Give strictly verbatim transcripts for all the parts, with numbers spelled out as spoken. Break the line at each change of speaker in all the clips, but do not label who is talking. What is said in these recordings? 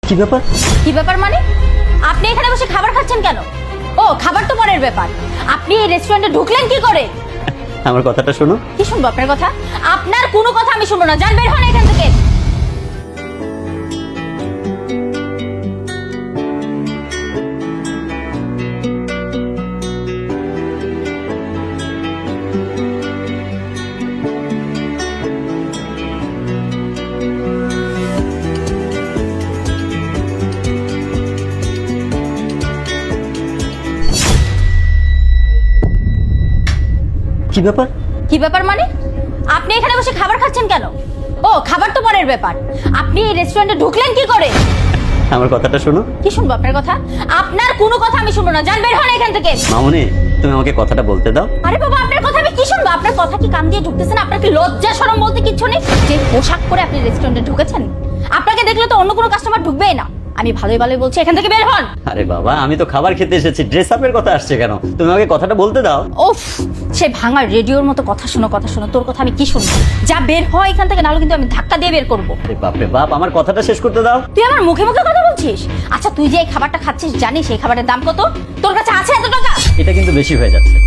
কি ব্যাপার?
কি ব্যাপার মানে? আপনি এখানে বসে খাবার খাচ্ছেন কেন? ও, খাবার তো পরের ব্যাপার। আপনি এই রেস্টুরেন্টে ঢুকলেন কি করে?
আমার কথাটা শোনো।
কি শুনবো আপনার কথা? আপনার কোনো কথা আমি শুনবো না। যান, বের হন এখান থেকে।
কি ব্যাপার?
কি ব্যাপার মানে? আপনি এখানে বসে খাবার খাচ্ছেন কেন? ও, খাবার তো পরের ব্যাপার। আপনি এই রেস্টুরেন্টে ঢুকলেন কি করে?
আমার কথাটা শোনো।
কি শুনবো আপনার কথা? আপনার কোনো কথা আমি শুনবো না। যান, বের হন এখান থেকে।
মামুনি, তুমি আমাকে কথাটা বলতে দাও।
আরে বাবা, আপনার কথা আমি কি শুনবো? আপনার কথা কি কান দিয়ে ঢুকতেছেন? আপনার কি লজ্জা শরম বলতে কিচ্ছু নেই? যে পোশাক পরে আপনি রেস্টুরেন্টে ঢুকেছেন, আপনাকে দেখলে তো অন্য কোনো কাস্টমার ঢুকবেই না। আমি ভালোই ভালোই বলছি, এখান থেকে বের হন।
আরে বাবা, আমি তো খাবার খেতে এসেছি, ড্রেস আপের কথা আসছে কেন? তুমি আমাকে কথাটা বলতে দাও।
ওফ, সে ভাঙা রেডিওর মতো কথা শোনো কথা শোনো। তোর কথা আমি কি শুনবো? যা, বের হয় এখান থেকে, নাহলে কিন্তু আমি ধাক্কা দিয়ে বের করবো।
আরে বাপ রে বাপ, আমার কথাটা শেষ করতে দাও।
তুই আমার মুখে মুখে কথা বলছিস? আচ্ছা, তুই যে এই খাবারটা খাচ্ছিস জানিস এই খাবারের দাম কত? তোর কাছে আছে এত টাকা?
এটা কিন্তু বেশি হয়ে যাচ্ছে।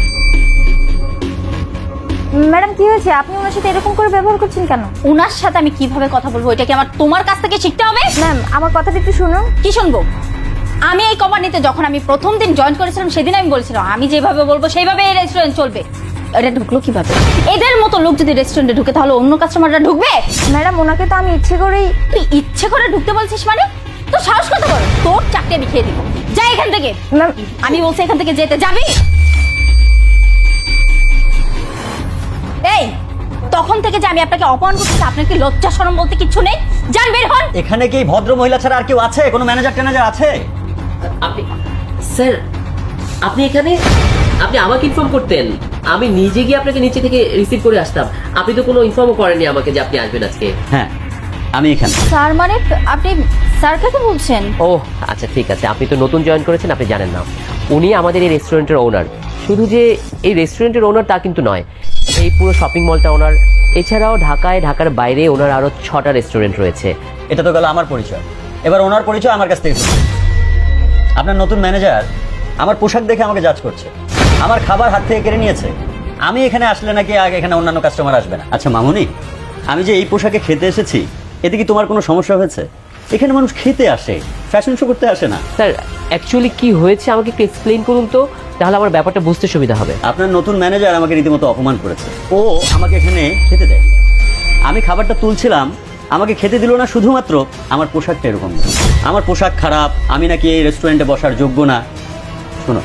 ম্যাডাম, কি হয়েছে? আপনি ওনার সাথে এরকম করে ব্যবহার করছেন কেন?
ওনার সাথে আমি কিভাবে কথা বলবো, এটা কি আমার তোমার কাছ থেকে শিখতে হবে?
ম্যাম, আমার কথাটা একটু শুনুন।
কি শুনবো? আমি এই কোম্পানিতে যখন আমি প্রথম দিন জয়েন করেছিলাম, সেদিন আমি বলেছিলাম আমি যেভাবে বলবো সেইভাবে এই রেস্টুরেন্ট চলবে। এটা ঢুকলো কিভাবে? এদের মতো লোক যদি রেস্টুরেন্টে ঢুকে তাহলে অন্য কাস্টমাররা ঢুকবে?
ম্যাডাম, ওনাকে তো আমি ইচ্ছে করেই।
তুই ইচ্ছে করে ঢুকতে বলছিস মানে? তোর সাহস কত বড়? তোর চাকরি আমি খেয়ে দিব। যা এখান থেকে।
ম্যাম,
আমি বলছি এখান থেকে যেতে। যাবি? এই, তখন থেকে যে আমি আপনাকে অপমান করতেছি, আপনার কি লজ্জা শরম বলতে কিচ্ছু নেই? যান, বের হন।
এখানে কি ভদ্র মহিলা ছাড়া আর কেউ আছে? কোনো ম্যানেজার ট্যানেজার আছে?
আপনি স্যার, আপনি এখানে? আপনি আমাকে ইনফর্ম করতেন, আমি নিজে গিয়ে আপনাকে নিচে থেকে রিসিভ করে আসতাম। আপনি তো কোনো ইনফর্মও করেননি আমাকে যে আপনি আসবেন আজকে।
হ্যাঁ, আমি এখানে।
স্যার মানে আপনি স্যার কাকে বলছেন?
ও আচ্ছা, ঠিক আছে। আপনি তো নতুন জয়েন করেছেন, আপনি জানেন না। উনি আমাদের এই রেস্টুরেন্টের ওনার। শুধু যে এই রেস্টুরেন্টের ওনার তা কিন্তু নয়, এই পুরো শপিং মলটা ওনার। এছাড়াও ঢাকায়, ঢাকার বাইরে ওনার আরও ছটা রেস্টুরেন্ট রয়েছে।
এটা তো গেল আমার পরিচয়, এবার ওনার পরিচয় আমার কাছ থেকে শুনুন। আপনার নতুন ম্যানেজার আমার পোশাক দেখে আমাকে জাজ করছে, আমার খাবার হাত থেকে কেড়ে নিয়েছে। আমি এখানে আসলে নাকি আগে এখানে অন্যান্য কাস্টমার আসবে না। আচ্ছা মামুনি, আমি যে এই পোশাকে খেতে এসেছি, এতে কি তোমার কোনো সমস্যা হয়েছে? এখানে মানুষ খেতে আসে, ফ্যাশন শো করতে আসে না।
স্যার, অ্যাকচুয়ালি কি হয়েছে আমাকে একটু এক্সপ্লেইন করুন তো, তাহলে আমার ব্যাপারটা বুঝতে সুবিধা হবে।
আপনার নতুন ম্যানেজার আমাকে রীতিমতো অপমান করেছে। ও আমাকে এখানে খেতে দেয়, আমি খাবারটা তুলছিলাম, আমাকে খেতে দিল না, শুধুমাত্র আমার পোশাকটা এরকম। আমার পোশাক খারাপ, আমি নাকি এই রেস্টুরেন্টে বসার যোগ্য না। শোনো,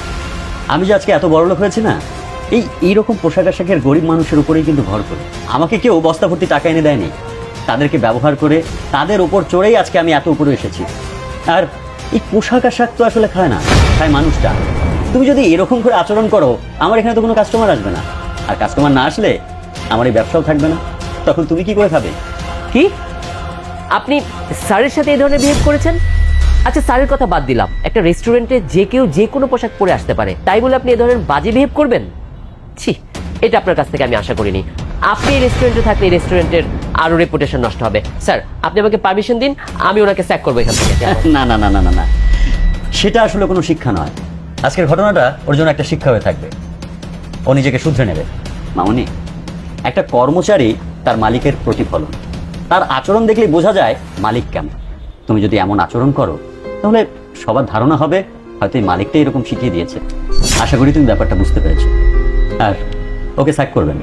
আমি যে আজকে এত বড় লোক হয়েছি না, এই এইরকম পোশাক আশাকের গরিব মানুষের উপরেই কিন্তু ভর করে। আমাকে কেউ বস্তা ভর্তি টাকা এনে দেয়নি, তাদেরকে ব্যবহার করে তাদের ওপর চড়েই আজকে আমি এত উপরে এসেছি। আর এই পোশাক আশাক তো আসলে খায় না, খায় মানুষটা। তুমি যদি এরকম করে আচরণ করো, আমার এখানে তো কোনো কাস্টমার আসবে না, আর কাস্টমার না আসলে আমার এই ব্যবসাও থাকবে না। তখন তুমি কি করে খাবে?
কি আপনি স্যারের সাথে এই ধরনের বিহেভ করেছেন? আচ্ছা, স্যারের কথা বাদ দিলাম, একটা রেস্টুরেন্টে যে কেউ যে কোনো পোশাক পরে আসতে পারে, তাই বলে আপনি এই ধরনের বাজে বিহেভ করবেন? ছি, এটা আপনার কাছ থেকে আমি আশা করিনি। আপনি এই রেস্টুরেন্টে থাকলে এই রেস্টুরেন্টের আরো রেপুটেশন নষ্ট হবে। স্যার, আপনি আমাকে পারমিশন দিন, আমি ওনাকে স্যাক করবো এখান থেকে।
না না না না না না, সেটা আসলে কোনো শিক্ষা নয়। আজকের ঘটনাটা ওর জন্য একটা শিক্ষা হয়ে থাকবে, ও নিজেকে শুধরে নেবে। মামুনি, একটা কর্মচারী তার মালিকের প্রতিফলন, তার আচরণ দেখলেই বোঝা যায় মালিক কেমন। তুমি যদি এমন আচরণ করো, তাহলে সবার ধারণা হবে হয়তো এই মালিকটা এরকম শিখিয়ে দিয়েছে। আশা করি তুমি ব্যাপারটা বুঝতে পেরেছো। আর ওকে স্যাক করবেন,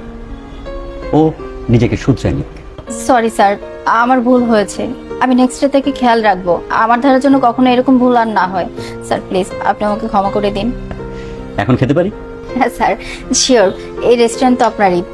ও নিজেকে শুধরে নিক।
সরি স্যার, আমার ভুল হয়েছে। আমি নেক্সট ডে থেকে খেয়াল রাখবো আমার ধারার জন্য কখনো এরকম ভুল আর না হয়। স্যার প্লিজ, আপনি আমাকে ক্ষমা করে দিন।
এখন খেতে পারি?
হ্যাঁ স্যার, শিওর। এই রেস্টুরেন্ট তো আপনারই,